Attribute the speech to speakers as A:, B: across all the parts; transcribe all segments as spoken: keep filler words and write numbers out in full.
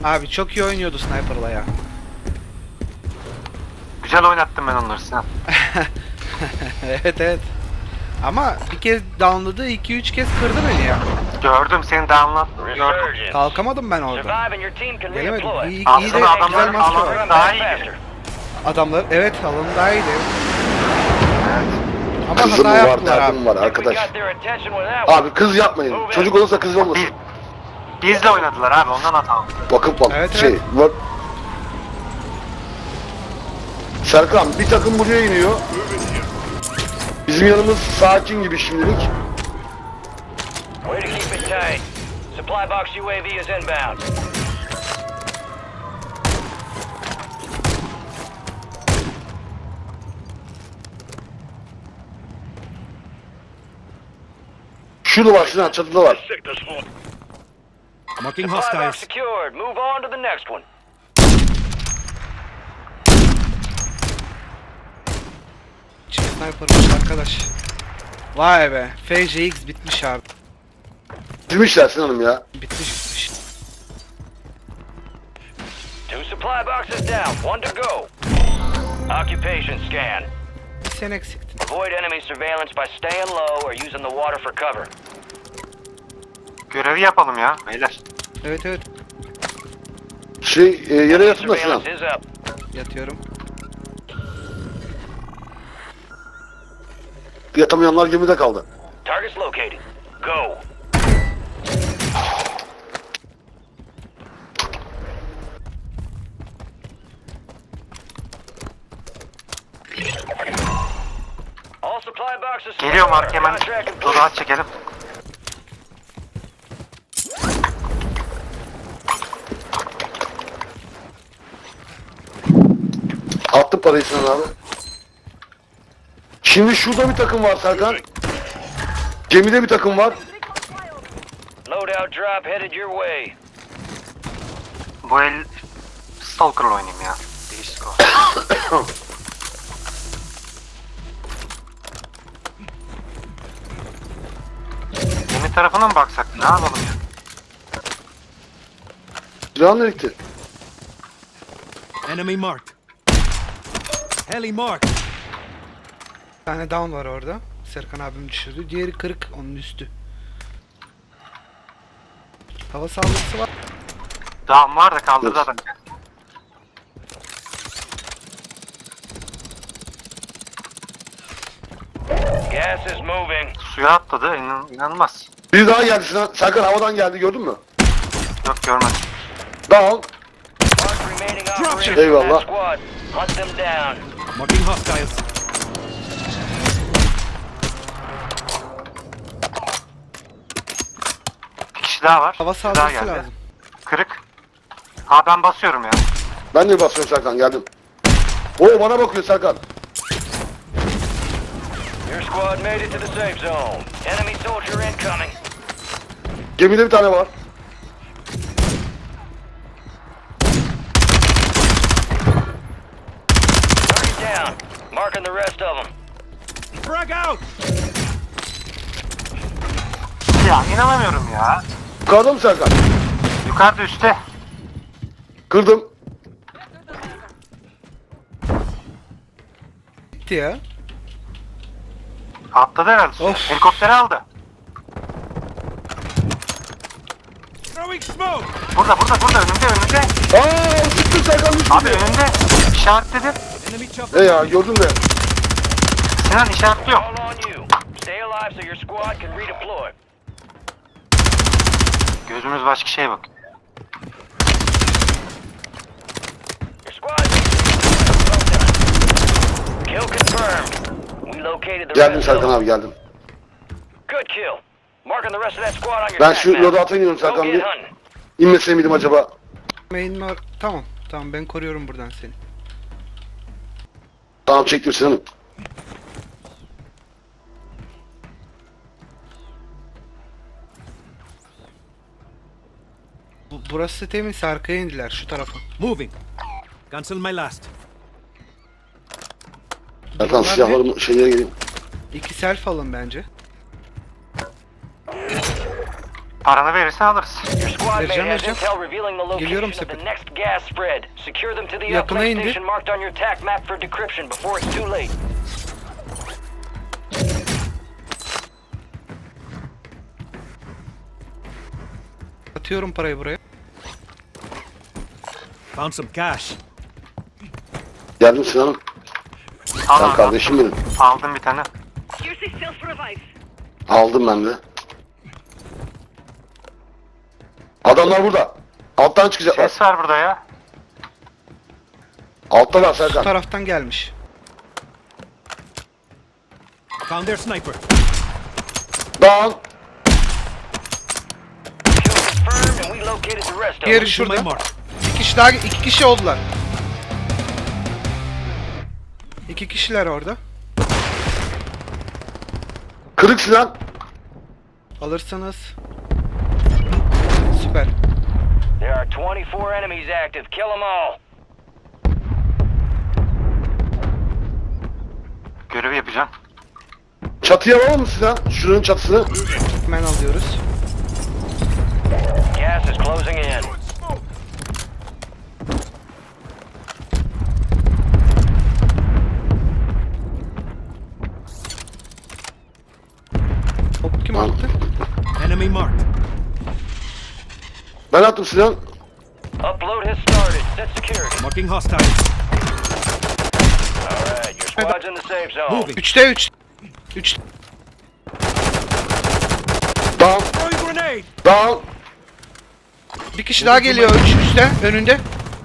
A: Abi çok iyi oynuyordu Sniper'la ya.
B: Güzel oynattım ben onları Sinan.
A: Evet evet. Ama bir kez downladı, iki üç kez kırdı beni ya.
B: Gördüm seni de anlat. Gördüm.
C: Resurgence.
A: Kalkamadım ben orada.
C: Survive and your team can
A: Gelemedim.
C: redeploy.
A: İyi, iyi
B: Aslında
A: de güzel
B: adamların
A: maske
B: alanı
A: var.
B: daha iyi.
A: Adamlar evet alanı daha iyiydi. Ama
D: Kızım
A: hata
D: var,
A: yaptılar abi.
D: derdim var
C: We got
D: arkadaş.
C: their attention with that one.
D: Abi kız yapmayın. Çocuk olursa kız olmasın.
B: Bizle oynadılar abi ondan hata aldım.
D: Bakıp bak
A: Evet,
D: şey
A: evet.
D: var. Serkan bir takım buraya iniyor. Bizim yanımız sakin gibi şimdilik.
C: Way to keep it tight. Supply box U A V is inbound.
D: Şurada var Sinan, çatıda var.
E: Marking
C: Supply box
E: hostiles.
C: secured. Move on to the next one.
A: Çift sniper'mış arkadaş. Vay be. F J X bitmiş abi.
D: Bitirmişler Sinan'ım ya.
A: Bitmiş bitmiş.
C: Two supply boxes down. One to go. Occupation scan.
A: Bir sen eksiktin.
C: Avoid enemy surveillance by staying low or using the water for cover.
B: Görevi yapalım ya beyler.
A: Evet evet.
D: Şey e, yere yatın da Sinan.
C: Surveillance is up.
A: Yatıyorum.
D: Yatamayanlar gemide kaldı.
C: Targets located. Go. All supply boxes.
B: Geliyor Mark hemen.
C: Contract complete.
B: Dur rahat çekelim.
D: Attı parayı Sinan abi. Şimdi şurada bir takım var Serkan. Gemide bir takım var.
C: Loadout drop headed your way.
B: Bu el Stalker'la oynayayım ya. Değişik o. Gemi tarafına mı baksak? Ne yapalım ya?
D: Silahın nereye gitti?
E: Enemy marked. Heli marked.
A: Bir tane down var orada. Serkan abim düşürdü. Diğeri kırık, onun üstü. Hava saldırısı var.
B: Dağım var da kaldırdı
D: Dur.
B: adam.
C: Gas is moving.
B: Suya atladı. İnan, inanılmaz.
D: Bir daha geldi Sinan. Serkan havadan geldi, gördün mü?
B: Yok görmedim.
D: Down.
C: Mark remaining operators in
D: Eyvallah.
C: that squad. Hunt them down.
E: Marking hostiles.
B: Bir kişi daha var.
A: Hava
B: Bir daha
A: saldırısı
B: geldi.
A: lazım.
B: Kırık. Ha ben basıyorum ya.
D: Ben de basıyorum Serkan, geldim. Oo bana bakıyor Serkan.
C: Your squad made it to the safe zone. Enemy soldier incoming.
D: Gemide bir tane var.
C: Target down. Marking the rest of them.
E: Frag out.
B: Ya inanamıyorum ya.
D: Yukarıda mı Serkan?
B: Yukarıda üstte.
D: Kırdım.
A: Bitti ya.
B: Atladı herhalde suya.
A: Of.
B: Helikopteri aldı.
E: Throwing smoke.
B: Burada burada burada önümde önümde.
D: Aaa çıktı Serkan, düştü.
B: Abi önümde. İşaretledi.
E: Enemy chopper.
D: E ya gördün de.
B: Sinan işaretliyor.
C: All on you. Stay alive so your squad can redeploy.
B: Gözümüz başka şeye bak.
C: Your squad well done. Kill confirmed. We located the
D: Geldim
C: rest
D: Serkan
C: of
D: abi, geldim.
C: Good kill. Marking the rest of that squad on your
D: Ben
C: attack
D: şu
C: map.
D: loadout'a iniyorum
C: Go
D: Serkan
C: get
D: bir.
C: hunting.
D: İnmese miydim acaba?
A: Main var. Tamam. Tamam ben koruyorum buradan seni.
D: Tamam çektim Sinan'ım.
A: Bu, burası temiz, arkaya indiler şu tarafa.
E: Moving. Cancel my last.
D: Serkan
A: Bunlar ne?
D: silahlarımı şeylere geleyim.
A: İki self alın bence.
B: Paranı verirsen alırız.
C: Your squad mate
A: Vereceğim,
C: has
A: vereceğim.
C: intel revealing the
A: Geliyorum
C: location of the
A: sepet.
C: next gas spread. Secure them to the
A: Yakına
C: uplink
A: indi.
C: station marked on your attack map for decryption before it's too late.
A: Atıyorum parayı buraya.
E: Found some cash.
D: Geldim Sinan'ım.
B: Al
D: Sen
B: abi.
D: kardeşim benim.
B: Aldım bir tane.
F: Here's the self revive.
D: Aldım ben de. Adamlar burada. Alttan çıkacaklar.
B: Ses var burada ya.
D: Alttalar
A: Bu
D: Serkan.
A: taraftan gelmiş.
E: Found their sniper.
D: Down.
C: Kill confirmed and we located the rest of
A: Diğeri
C: them.
E: To my
A: şurada.
E: mark.
A: İki kişi daha, iki kişi oldular. İki kişiler orada.
D: Kırık Sinan.
A: Alırsanız. Süper.
C: There are twenty-four enemies active. Kill them all.
B: Görevi yapacağım.
D: Çatıya alalım mı Sinan? Şuranın çatısını.
A: Hemen alıyoruz.
C: Gas is closing in.
A: Hop, kim attı?
E: Enemy marked.
D: Ben attım Sinan.
C: Upload has started. Set security.
E: Marking hostiles.
C: All right, your squad's in the safe zone.
E: Moving.
A: Üçte üç. Üç.
D: Down.
E: Throwing grenade.
D: Down.
A: Bir kişi daha geliyor. Üç üstte. Önünde.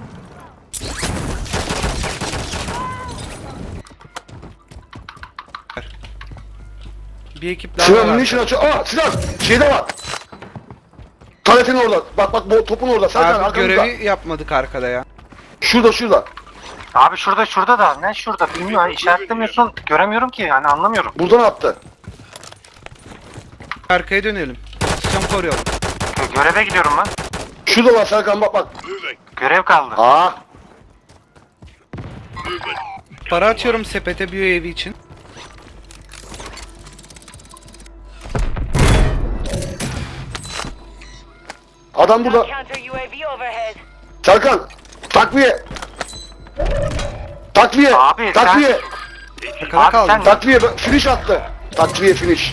A: Bir ekip daha
D: Sinan
A: var.
D: munition açıyor. Aa Sinan. Şeyde var. Taletin orada. Bak bak bu topun orada. Serkan
A: Abi
D: arkamızda.
A: görevi yapmadık arkada ya.
D: Şurada şurada.
B: Abi şurada şurada da. Ne şurada bilmiyorum. İşaretlemiyorsun. Göremiyorum ki yani anlamıyorum.
D: Buradan attı.
A: Arkaya dönelim. Pozisyon koruyalım.
B: Gö- Göreve gidiyorum ben.
D: Şurada var Serkan bak bak.
B: Görev kaldı.
D: Aa.
A: Para atıyorum sepete bir evi için.
D: Adam burada.
F: Counter U A V overhead.
D: Serkan. Takviye. Takviye.
B: Abi,
D: Takviye.
A: Arkada
B: Abi
A: kaldı.
B: sen-
D: Takviye. Finish attı. Takviye finish.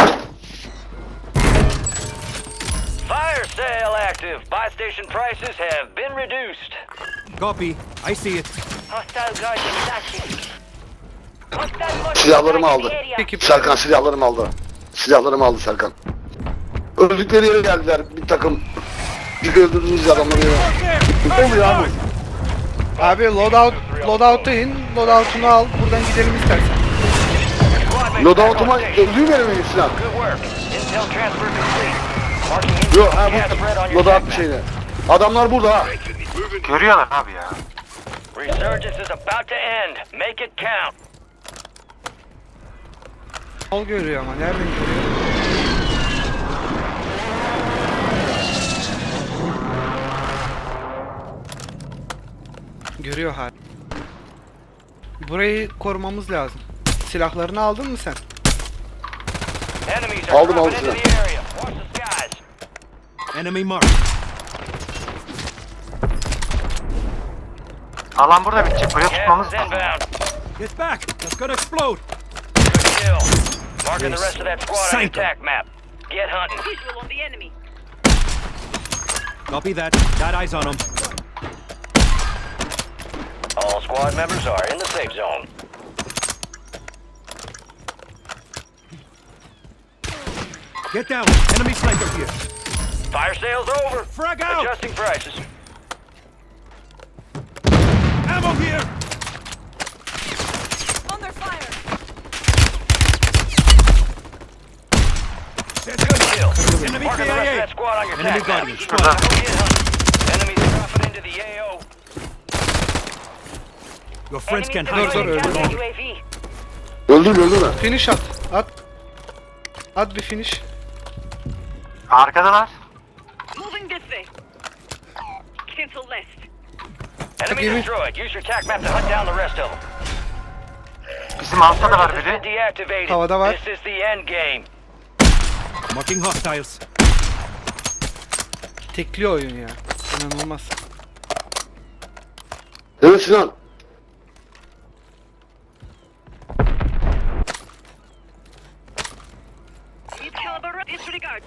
C: Fire sale active. Buy station prices have been reduced.
E: Copy. I see it.
F: Hostile guardian active. Hostile mortar
D: Silahlarımı
F: strike in
D: aldı.
F: the area.
A: Ekip.
D: Serkan silahlarımı aldı. Silahlarımı aldı Serkan. Öldükleri yere geldiler bir takım. Bir öldürdüğünüz adamları yere. Ne oluyor abi?
A: Abi loadout, loadout'a in. Loadout'unu al. Buradan gidelim istersen.
C: Squad mates
D: Loadout'uma
C: back on station.
D: öldüğü yere mi Sinan?
C: Good work. Intel transfer complete. Marking intel
D: Yok ha
C: gas spread on
D: bu
C: your
D: loadout
C: attack
D: bir
C: map.
D: şeyde. Adamlar burada ha.
B: Görüyorlar abi ya.
C: Resurgence is about to end. Make it count.
A: Ol görüyor ama nereden görüyor? Görüyor hala. Burayı korumamız lazım. Silahlarını aldın mı sen?
C: Enemies are
D: Aldım,
C: dropping
D: aldım
C: into the area. Watch the skies.
E: Enemy marked.
B: Alan burada bitecek. Buraya
C: Gas
B: tutmamız
C: is
B: lazım.
C: inbound.
E: Get back. That's gonna explode.
C: Good kill. Marking the rest of that squad on your
E: Sank 'em.
C: attack map. Get hunting.
F: Visual on the enemy.
E: Copy that. Got eyes on them.
C: All squad members are in the safe zone.
E: Get down. Enemy sniper here.
C: Fire sale's over.
E: Frag out.
C: Adjusting prices.
E: Ammo here.
F: Under fire.
C: Good kill.
E: Enemy
C: Marking the rest of
E: K I A.
C: that squad on your
E: Enemy
C: attack map.
E: Guardian.
B: Şurada.
C: Get hunting. Enemies dropping into the A O.
E: Your friends can
F: Enemy
E: hide.
A: dur,
F: deploying
A: dur,
F: counter
A: dur.
F: U A V.
D: Öldürme öldürme.
A: Finish at. At. At bir finish.
B: Arkadalar.
F: Moving this way. Cancel left.
C: Enemy
A: Give me-
C: destroyed. Use your attack map to hunt down the rest of them.
B: Bizim altta da var
C: Has been
B: biri.
C: deactivated.
A: Havada var.
C: This is the end game.
E: Marking hostiles.
A: tekliyor oyun ya. İnanılmaz.
D: Evet Sinan.
F: Need caliber. Disregard.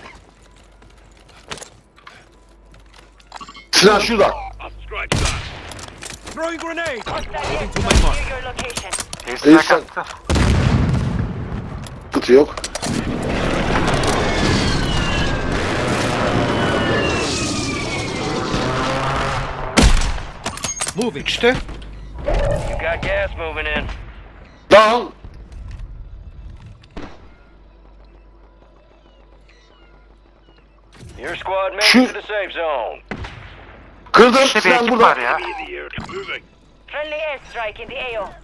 D: Sinan şurada.
E: Throwing grenade!
F: Hostile
E: Moving to my
F: airstrike
E: mark.
F: near your location.
B: Airstrike
D: Airstrike.
B: attı.
D: Kutu yok.
E: Moving.
A: Üçte.
C: You got gas moving in.
D: Down.
C: Your squad made
D: Shoot.
C: it to the safe zone.
D: Kırdım.
B: İşte bir
D: Sinan
B: ekip
D: burada.
B: var ya.
F: Friendly airstrike in the A O.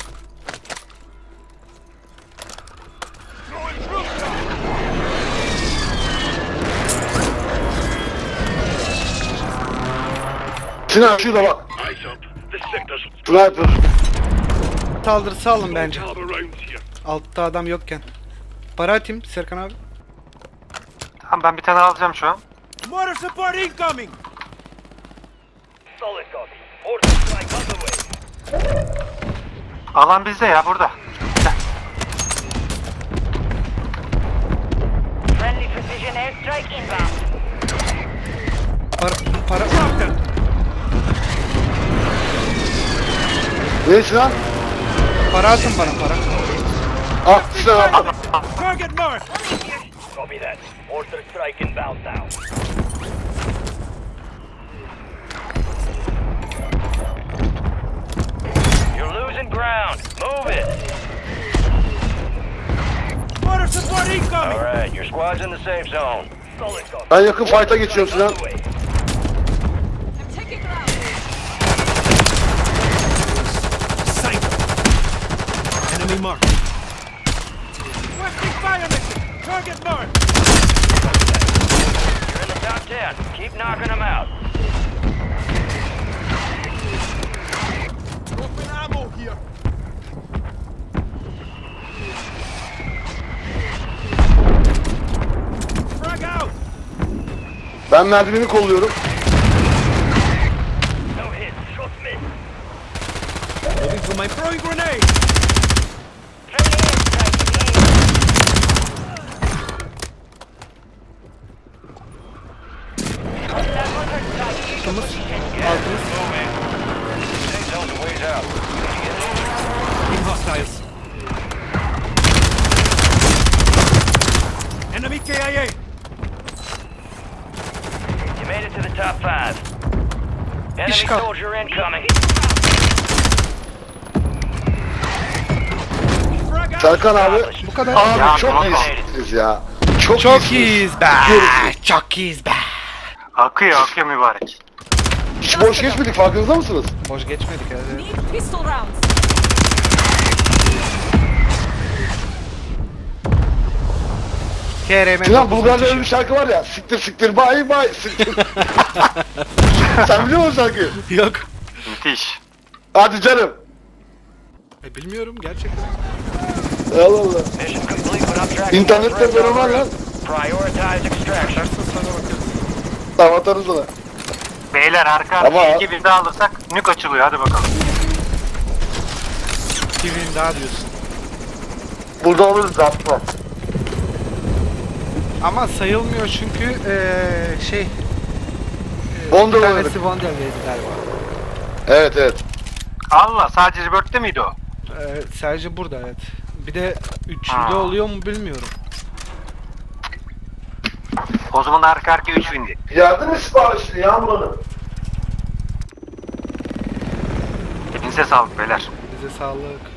D: Sinan şurada bak. Sniper.
A: Saldırısı alın bence. Altta adam yokken. Para atayım Serkan abi.
B: Tamam ben bir tane alacağım şu an.
E: Mortar support incoming!
C: Solid copy. Order strike on the way.
B: Alan bizde ya burada.
F: Friendly precision airstrike inbound.
A: Para, para.
E: Drop them!
D: Ne Sinan?
A: Para atın bana para.
D: Ah Sinan al.
E: Target mark!
C: Copy that. Order strike inbound now. You're losing ground. Move it.
E: Mortar support incoming!
C: All right, your squad's in the safe zone. Solid copy.
D: Ben yakın fight'a geçiyorum Sinan.
C: On the way.
E: Sight! Enemy mark! Requesting fire mission! Target mark!
C: You're in the top ten. Keep knocking them out.
E: Open ammo here! Frag out!
D: Ben merdiveni kolluyorum.
C: No hit. Shot mid.
E: Moving to my throwing grenade!
F: Friendly airstrike in the A O. Hostile mortar strike near your position.
A: Altımız.
C: Moving. Safe zone's a ways out. Did you get it?
E: In hostiles. Enemy K I A!
C: You made it to the top five. Enemy
A: İşgal.
C: soldier incoming.
E: Frag out!
D: Serkan abi.
A: Bu kadar.
D: Abi
B: Ya,
D: çok
B: tamam.
D: iyisiniz ya. Çok,
A: Çok
D: iyisiniz.
A: iyiyiz be.
D: Görüyorsunuz.
A: Çok iyiyiz be.
B: Akıyor akıyor mübarek.
D: Hiç boş geçmedik farkınızda mısınız?
A: Boş geçmedik herhalde.
G: Need pistol rounds.
A: K R M
D: Sinan Bulgar'da öyle bir şarkı var ya. Siktir siktir bay bay siktir. Sen biliyor musun şarkıyı?
A: Yok.
B: Müthiş.
D: Hadi canım.
A: E, bilmiyorum gerçekten.
D: Allah Allah.
C: Mission complete, but I'm tracking
D: İnternette
C: those
D: böyle var lan.
C: Prioritize extraction.
D: Tamam atarız ona.
B: Beyler arka
D: Ama-
B: arkaya iki bir daha alırsak nük açılıyor hadi bakalım.
A: Bir win daha diyorsun.
D: Burada oluruz atma.
A: Ama sayılmıyor çünkü eee şey. eee,
D: Bondel
A: bir
D: oynadık.
A: tanesi Bondel verdi galiba.
D: Evet evet.
B: Allah sadece Bird'de miydi o?
A: Eee sadece burada evet. Bir de üçüncü
B: Ha.
A: oluyor mu bilmiyorum.
B: O zaman arka arkaya üç bindi.
D: Yardım mı siparişli Yağmur Hanım?
B: Hepinize sağlık beyler.
A: Bize sağlık.